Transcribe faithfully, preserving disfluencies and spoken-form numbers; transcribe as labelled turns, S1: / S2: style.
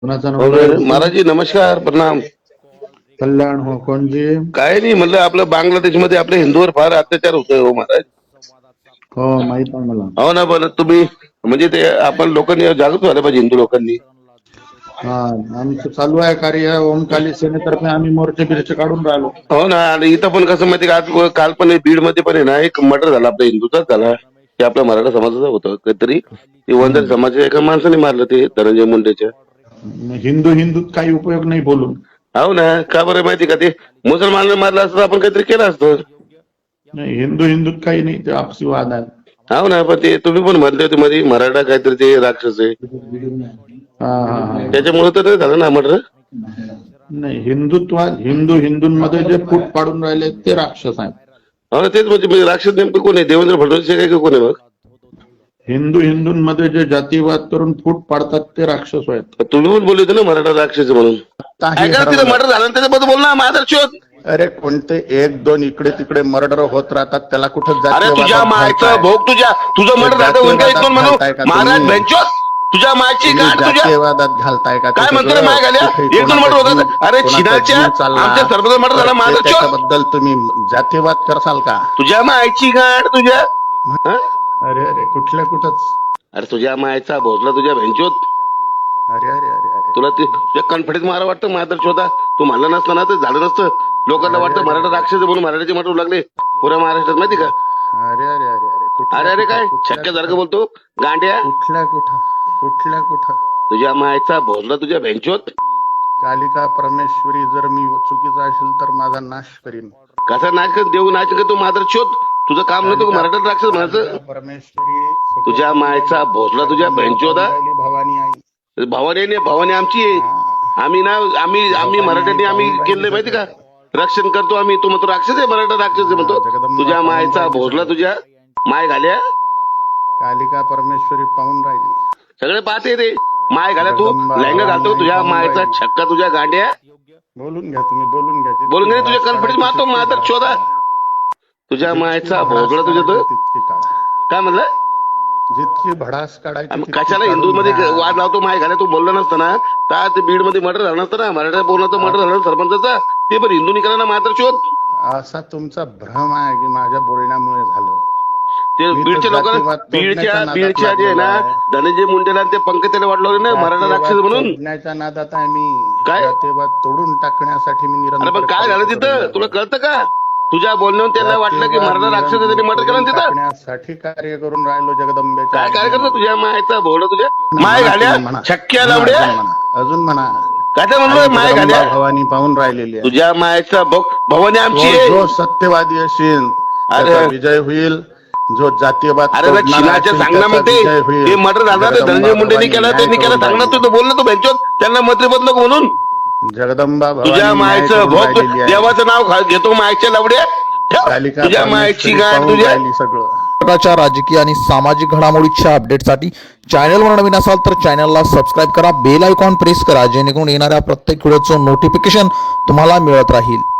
S1: कोणाचा
S2: हो
S1: नंबर आहे
S2: ना,
S1: तुझा?
S2: महाराज जी नमस्कार प्रणाम.
S1: कल्याण हो कोणजी?
S2: काय नाही म्हणलं, आपलं बांगलादेशमध्ये आपल्या हिंदूवर फार अत्याचार होतोय हो महाराज.
S1: हो माहित आहे मला.
S2: हो ना, पण तुम्ही म्हणजे ते आपण लोकांनी जागृत व्हायला पाहिजे, हिंदू लोकांनी.
S1: हा आमचं चालू आहे कार्य. ओमकाली सेनेतर्फे आम्ही मोर्चे बिर्चे काढून राहिलो.
S2: हो ना, आणि इथं पण कसं माहिती का, आज काल पण बीड मध्ये पण आहे ना, एक मर्डर झाला आपल्या हिंदूचाच झाला. ते आपल्या मराठा समाजाचं होतं काहीतरी. ते वंजारी समाजाच्या एका माणसाने मारलं, ते धनंजय मुंडेच्या.
S1: हिंदू हिंदूत काही उपयोग नाही बोलून.
S2: हो ना, का बरं माहिती का, ते मुसलमानाला मारलं असतं आपण काहीतरी केलं असतं.
S1: नाही हिंदू हिंदूत काही नाही, ते आपसी वाद आहे.
S2: हो ना, पण ते तुम्ही पण म्हणले होते मध्ये मराठा काहीतरी ते राक्षस आहे,
S1: हा हा हा
S2: त्याच्यामुळे तर नाही झालं ना मर्डर.
S1: नाही हिंदुत्वात हिंदू हिंदूंमध्ये जे फूट पाडून राहिले ते राक्षस आहेत.
S2: हो ना, तेच म्हणजे म्हणजे राक्षस नेमकं कोण आहे? देवेंद्र फडणवीस काय का कोण आहे मग?
S1: हिंदू हिंदूंमध्ये जे जातीवाद करून फूट पाडतात ते राक्षस आहेत.
S2: तुम्ही पण बोलले होते ना मराठा राक्षस आहे म्हणून.
S1: काही
S2: ऐका तिथं
S1: हरवलं.
S2: मर्डर झालं ना, त्याच्याबद्दल बोल ना माझा शोध.
S1: अरे कोणते एक दोन इकडे तिकडे मर्डर होत राहतात, त्याला कुठं
S2: अरे
S1: जातीयवादात
S2: तुझ्या
S1: घालताय?
S2: मायचं भोग, तुझ्या तुझं
S1: ते
S2: मर्डर झालं होईल का एक दोन
S1: जातीयवादात
S2: म्हणून?
S1: घालताय का
S2: महाराज
S1: तुम्ही?
S2: बेंचोस, तुझ्या मायची
S1: तुम्ही
S2: गाठ तुझ्या
S1: जातीयवादात घालताय का?
S2: काय
S1: कुठं
S2: म्हणतो रे
S1: ग?
S2: माय घाल्या?
S1: कुठे
S2: एक दोन
S1: कोणाचा
S2: मर्डर
S1: जीव
S2: होतात. अरे
S1: कोणाचा
S2: छिनाच्या
S1: जीव चालला
S2: आमच्या सरपंच मर्डर
S1: तर
S2: झाला,
S1: ते
S2: माझा शोध.
S1: त्याच्याबद्दल तुम्ही जातीयवाद करसाल का?
S2: तुझ्या मायची गाठ तुझ्या. हा?
S1: अरे अरे कुठल्या कुठंच.
S2: अरे तुझ्या मायचा भोसला तुझ्या भेंचोत.
S1: अरे अरे अरे अरे
S2: तुला ते तुझ्या कॉन्फिडन्स मारा वाटतं माझा शोधा. तू म्हणला नसता ना, ते झालं नसतं. लोकांना
S1: अरे,
S2: वाटतं
S1: अरे,
S2: मराठा
S1: अरे.
S2: राक्षस आहे म्हणून मराठ्याचे मर्डर लागले पुऱ्या महाराष्ट्रात, माहिती का?
S1: अरे अरे अरे अरे कुठल्या
S2: अरे अरे
S1: कुठं,
S2: काय
S1: कुठल्या
S2: छक्क्यासारखं
S1: कुठं,
S2: बोलतो गांड्या.
S1: कुठल्या कुठं कुठल्या कुठं.
S2: तुझ्या मायचा भोसला तुझ्या भेंचोत.
S1: कालिका परमेश्वरी जर मी चुकीचा असेल तर माझा नाश करीन.
S2: कसा नाच कर, देऊ नाच कर, तू मात्र शोध. तुझं काम नव्हतं का मराठा राक्षस म्हणायचं?
S1: परमेश्वरी
S2: तुझ्या मायचा भोसला तुझ्या भेंचोदा.
S1: भवानी आई.
S2: भावाने नाही, भावाने आमची आहे. आम्ही ना आम्ही आम्ही मराठ्यांनी आम्ही केलंय माहिती का, रक्षण करतो आम्ही. तू म्हणतो राक्षस आहे, मराठा राक्षस आहे म्हणतो. तुझ्या मायचा भोसला तुझ्या माय घाल्या.
S1: कालिका परमेश्वरी पाहून राहिली.
S2: सगळे पाहते रे माय घाल्या. तू लहंगा घालतो, तुझ्या मायचा छक्का तुझ्या गांड्या.
S1: बोलून घ्या तुम्ही, बोलून घ्या.
S2: बोलून घे, तुझ्या कॉन्फिडन्स मारतो माझा शोधा. तुझ्या मायचा भोसला तुझ्या तर काय म्हणलं?
S1: जितकी भडास काढायची
S2: आम्ही कशाला हिंदू मध्ये वाद लावतो? माय घाल्या तू बोलला नसतं ना, तर ते बीड मध्ये मर्डर झालं नसतं ना. मराठा बोलण्याचं मर्डर झालं सरपंचाचा, ते पण हिंदूनी करा ना मात्र शोध.
S1: असा तुमचा भ्रम आहे की माझ्या बोलण्यामुळे झालं.
S2: ते बीडच्या लोकांना, बीडच्या बीडच्या जे आहे ना धनंजय मुंडेला आणि ते पंकजाला वाटलं ना मराठा राक्षस म्हणून.
S1: तोडण्याच्या नादात आहे मी.
S2: काय?
S1: जातीवाद तोडून टाकण्यासाठी मी निरंतर.
S2: अरे पण काय झालं तिथं तुला कळतं का? तुझ्या बोलण्यावर त्यांना वाटलं की मराठा राक्षस आहे, त्यांनी मर्डर केलं ना तिथं.
S1: टाकण्यासाठी कार्य करून राहिलो जगदंबे.
S2: काय काय करतो? तुझ्या मायचा भोवडा तुझ्या माय घाल्या छक्क्या लावड्या.
S1: अजून म्हणा
S2: काय ते म्हणलो माय घाल्या?
S1: भवानी पाहून राहिलेली आहे.
S2: तुझ्या मायचा भवानी आमची
S1: जो-
S2: आहे.
S1: जो सत्यवादी असेल त्याचा विजय होईल. जो जातीयवाद
S2: अरे ना
S1: तोडणारा
S2: छिनाच्या
S1: असेल,
S2: सांग ना मग
S1: त्याचा
S2: ते
S1: विजय होईल.
S2: ते मर्डर झालं ते
S1: जगदंबा
S2: धनंजय मुंडेनी
S1: भवानी
S2: केलं,
S1: न्याय
S2: त्यांनी केलं.
S1: करून
S2: सांग ना, तू तर बोल ना, तू बेंचोत त्यांना मंत्री बदलो म्हणून.
S1: जगदंबा भवानी
S2: तुझ्या
S1: न्याय
S2: मायचं
S1: करून
S2: भोग
S1: राहिलेली आहे.
S2: देवाचं नाव खा- घेतो मायच्या लवड्या. ठेव.
S1: कालिका
S2: तुझ्या मायची
S1: परमेश्वरी
S2: गाठ
S1: पाहून
S2: तुझ्या.
S1: राहिली सगळं.
S3: प्रकारच्या राजकीय आणि सामाजिक घडामोडीच्या अपडेटसाठी चॅनलवर नवीन असाल तर चॅनलला सबस्क्राईब करा, बेल आयकॉन प्रेस करा, जेणेकरून येणाऱ्या प्रत्येक व्हिडिओचं नोटिफिकेशन तुम्हाला मिळत राहील.